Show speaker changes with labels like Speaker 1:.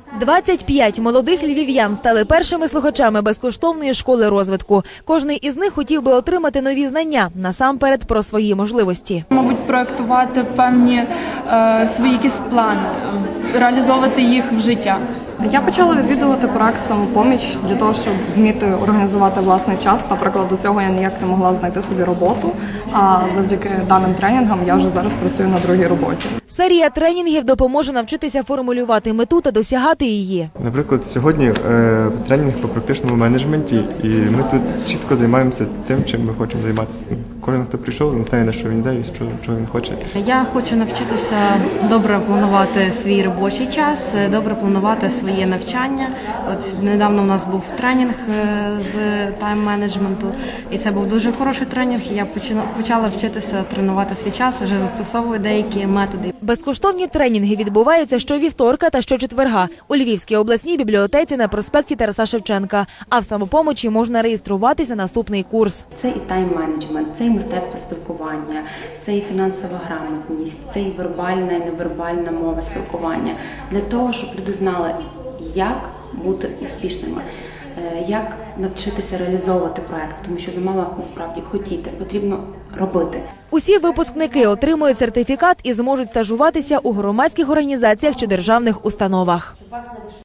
Speaker 1: 25 молодих львів'ян стали першими слухачами безкоштовної школи розвитку. Кожний із них хотів би отримати нові знання, насамперед про свої можливості.
Speaker 2: Мабуть, проєктувати певні свої якісь плани, реалізовувати їх в життя.
Speaker 3: Я почала відвідувати проект «Самопоміч» для того, щоб вміти організувати власний час. Наприклад, до цього я ніяк не могла знайти собі роботу, а завдяки даним тренінгам я вже зараз працюю на другій роботі.
Speaker 1: Серія тренінгів допоможе навчитися формулювати мету та досягати її.
Speaker 4: Наприклад, сьогодні тренінг по практичному менеджменті, і ми тут чітко займаємося тим, чим ми хочемо займатися. Кожен, хто прийшов, він знає, на що він йде і чого він хоче.
Speaker 5: Я хочу навчитися добре планувати свій робочий час, добре планувати своє навчання. От недавно у нас був тренінг з тайм-менеджменту, і це був дуже хороший тренінг. Я почала вчитися тренувати свій час, вже застосовую деякі методи.
Speaker 1: Безкоштовні тренінги відбуваються щовівторка та щочетверга у Львівській обласній бібліотеці на проспекті Тараса Шевченка. А в «Самопомочі» можна реєструватися на наступний курс.
Speaker 6: Це і тайм-менеджмент, це і мистецтво спілкування, це і фінансова грамотність, це і вербальна і невербальна мова спілкування. Для того, щоб люди знали, як бути успішними, як навчитися реалізовувати проект, тому що замало насправді хотіти, потрібно робити.
Speaker 1: Усі випускники отримують сертифікат і зможуть стажуватися у громадських організаціях чи державних установах.